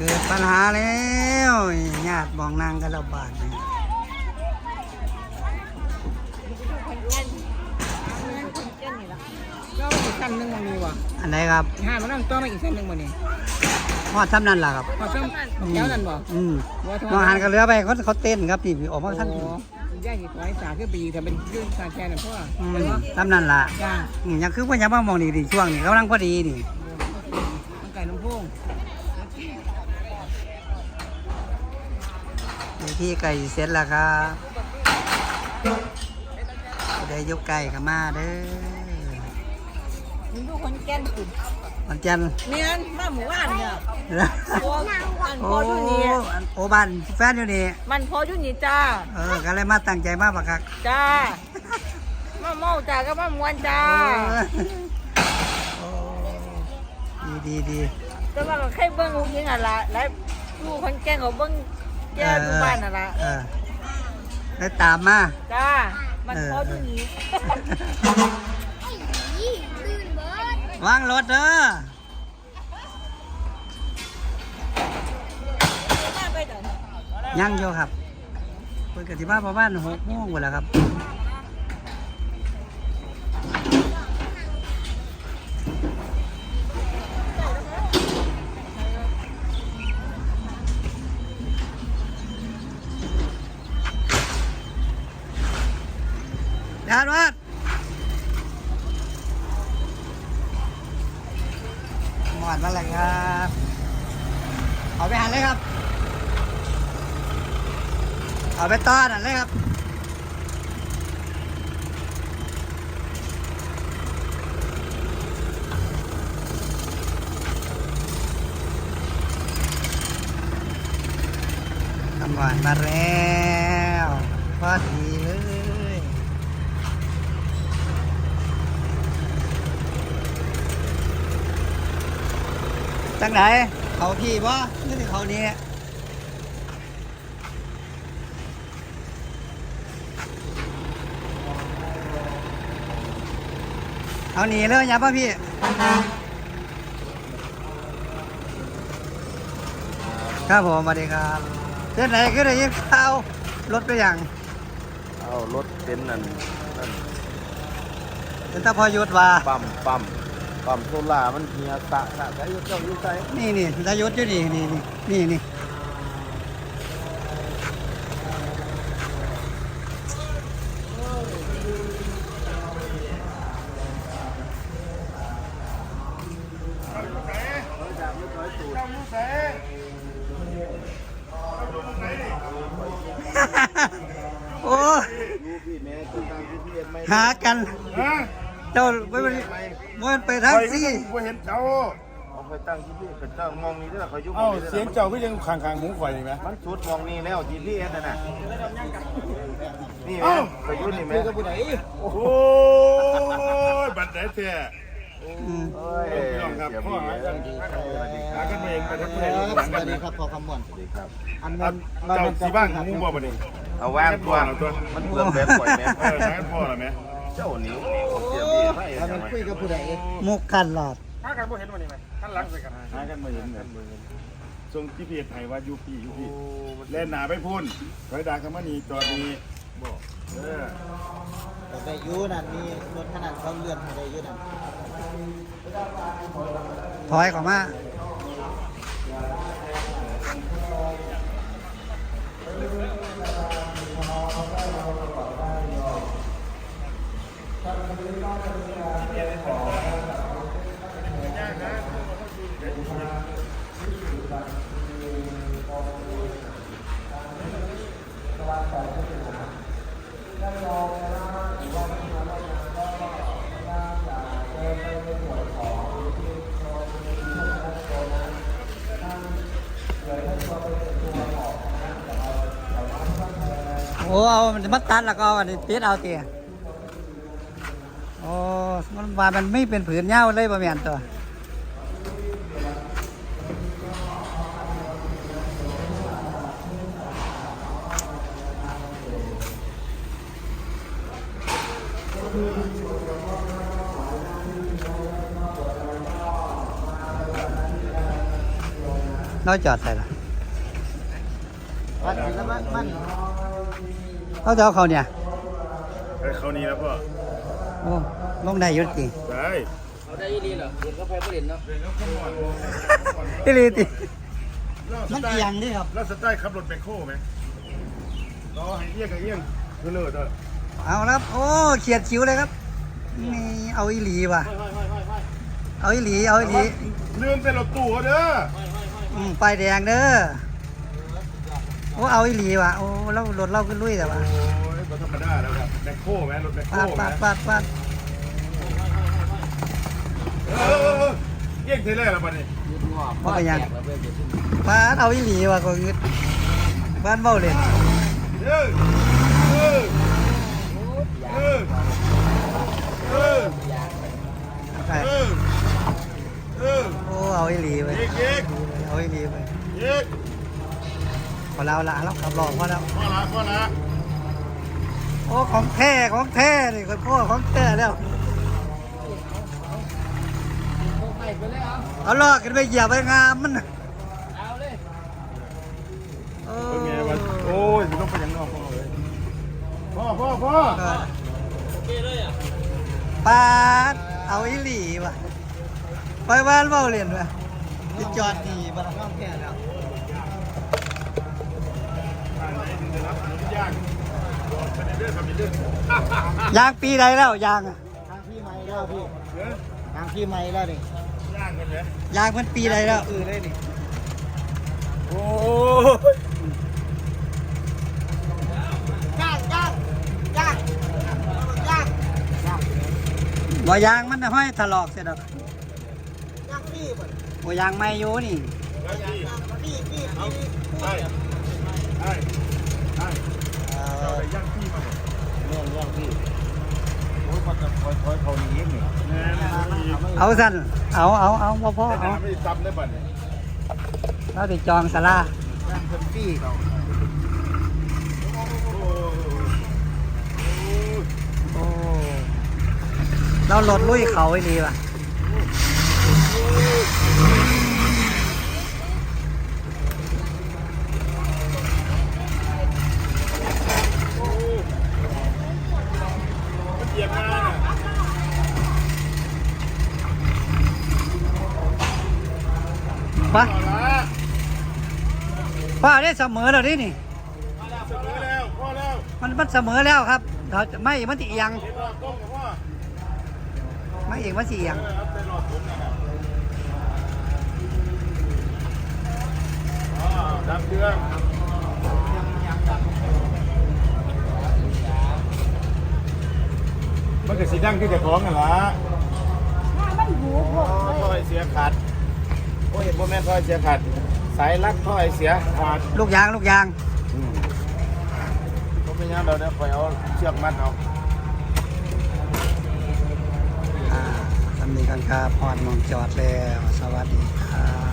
กิดปัญหาแล้วญาติมองนางกันระบาดเนี่ยก็อีกชั้นหนึ่งมันมีวะอันไหนครับห้ามันนั่งตัวมาอีกชั้นหนึ่งมันนี่พอดทำนั่นล่ะครับพอซ้ำเจ้านั่นบ่มองหันกันเรือไปเขาเต้นครับนี่ออกมาท่านย่าหิบไว้สาคือปีแต่เป็นยื่นสาแกนเพราะว่าทำนั่นล่ะจ้ายังคือว่ายังมามองดีช่วงนี้กำลังพอดีนี่มันไก่น้ำพงที่ไก่เสร็จแล้วครับได้ยกไก่กับมาเด้อมึงดูคนแก่นสุดวันจันทร์เมียนมาหมู่บ้านเนี่ยพอโอ้อยู่นี่โอ้บ้านแฟนอยู่นี่มันพออยู่นี่จ้าก็เลยมาตั้งใจมาปะครับจ้ามาเมาจ้าก็มามวนจ้าดีแต่ว่าก็แค่เบิ้งลูกยิงอ่ะละแล้วลูกคนแก่เขาเบิ้งแก่ทุกบ้านอ่ะละได้ตามมาจ้ามันพออยู่นี่วางรถเด้อไปเถอะยังอยู่ครับเปิดกติมาประมาณ6 โมงหมดแล้วครับยานวัดหมดมาแล้วครับเอาไปหันเลยครับเอาไปต้อนนั่นเลยครับตำรวจมาแล้วพอดีเลยจังไหนเขาพี่บ่นี่ถึงเขานี้เอาหนีเลยอย่าป่ะพี่ครับผมสวัสดีครับเส้นไหนก็ได้ยินข่าวรถไปอย่างเอารถเป็นนั่นเป็นตาพอยุทธว่าปั๊มโซล่ามันเฮียสะใช้เจ้าอยู่ใจนี่ตายุทธอยู่นี่โอ้หากันเจ้าไม่ไปทางซี่บ่เห็นเจ้าเอาไปตั้งที่พี่เป็นเจ้ามองนี่เด้อเขาอยู่เอ้าเสียงเจ้าก็ยังขางหูข่อยนี่ไหมมันสุดมองนี่แล้วที่พี่เอ็ดน่ะนี่แม่ไปอยู่นี่แม่โอ้ยบัดไหนเสียเอ้ยพี่น้องครับพ่อหากันสวัสดีคหารับกันเองไปทั้งประเทศสวัสดีครับพอคำบ่อนสวัสดีครับอันเจ้านั้นสีบ้างหูบ่บัดนี้เอาว่างตัวมันเปลืองแบบปล่อยแม่หากันพ่อเหรอแม่เจ้านิ้วเสียพี่ไปแล้วมันคุยกับผู้ใดมุกกันหลอดหากันบ่เห็นวันนี้ไหมท่านหลังใส่กันหากันบ่เห็นกันส่งที่เพจให้ว่ายูพี่เล่นหนาไปพุ่นถอยดาคำว่านี่จอดนี้บอกแต่ยูนั่นมีรถขนาดเขาเลื่อนให้ได้ยูนั่นถอยออกมาโอ้เอามันมาตัดแล้วก็เอาอันนี้ติดเอาเตี๋ยโอ้มันว่ามันไม่เป็นผืนเงาเลยประมาณตัวน้อยจอดใส่ละมันแล้วมันเขาจะเอาเขาเนี่ยไอ้เขานี้แล้วพ่อโอ้ลงได้อยุติได้อีหลีติมันเอียงนี่ครับแล้วสไตล์ขับรถแบคโค้ไหมรอให้เอี้ยงกับเอี้ยงคือเลิศอ่ะเอาแล้วครับโอ้เขียดคิ้วเลยครับนี่เอาอีหลีว่ะเอาอีหลีเอาอีหลีลืมเป็นรถตู้เด้อป้ายแดงเด้อโอ้เอาอีหลีว่ะโอ้เรารถเราขึ้นลุยแต่ว่าโอ้ยธรรมดาแล้วครับแบคโค้ไหมรถแบคโค้ปาดไหมปาดเอี้ยงเทเลอร์แล้วปะนี่ว่าไปยังปาดเอาอีหลีว่ะก็งึดบ้านเบ้าเลยเออเออเออเออไปเออเออโอ้เอาอีหลีไปเย็กเอาอีหลีไปเย็กพอแล้วละเราขับรอพอแล้วพ่อละโอ้ของแท้นี่คนพ่อของแท้แล้วเอาลอกกันไปเหยียบไปงามมันน่ะโอ้เป็นไงวะโอ้ยต้องไปยังนอกพ่อเลยพ่อปาดเอาอีหลีว่ะไปบ้านเบ้าเรียนว่ะที่จอดดีบ้านข้างแท้แล้วย่างเป็นเรื่องทำเป็นเรื่องยางปีใดแล้วยางอะทางพี่ไม้แล้วพี่ทางพี่ไม้แล้วนี่ย่างกันเลยยางมันปีใดแล้วคือเลยนี่โอ้บ่ยางมันน่ะห้อยถลอกเสร็จแล้วย่างพี่บ่บ่ยางไม่อยู่นี่พี่ใช่ใช่เราไปย่างพี่มาเรื่องย่างพี่โอ้ยมันจะคอยเขาหนีนี่แน่นเอาสั่นเอาบ่พอแต่เอาไม่ซ้ำได้ป่ะเนี่ยเราติดจองศาลาย่างคนพี่เขาโอ้เราหลดลุยเขาไอ้ดีว่ะมันเหยียบงานอ่ะปะพ่อละป้าได้เสมอแล้วนี่นี่เสมอแล้วพ่อแล้วมันเสมอแล้วครับเราจะไม่มันสิเอียงเห็นว่ากล้องกับพ่อไม่เอียงมันสิเอียงเอาไปหลอดผมนะครับดับเครื่องมันก็สีดังที่แต่ของกันละมันหูพวกท่อยเสียขาดโอ้ยเห็นพ่อแม่ท่อยเสียขาดสายลักท่อยเสียขาดลูกยางผมเป็นยังเราเนี่ยคอยเอาเชือกมัดเอาสำนีกันครับพอดมองจอดแล้วสวัสดีครับ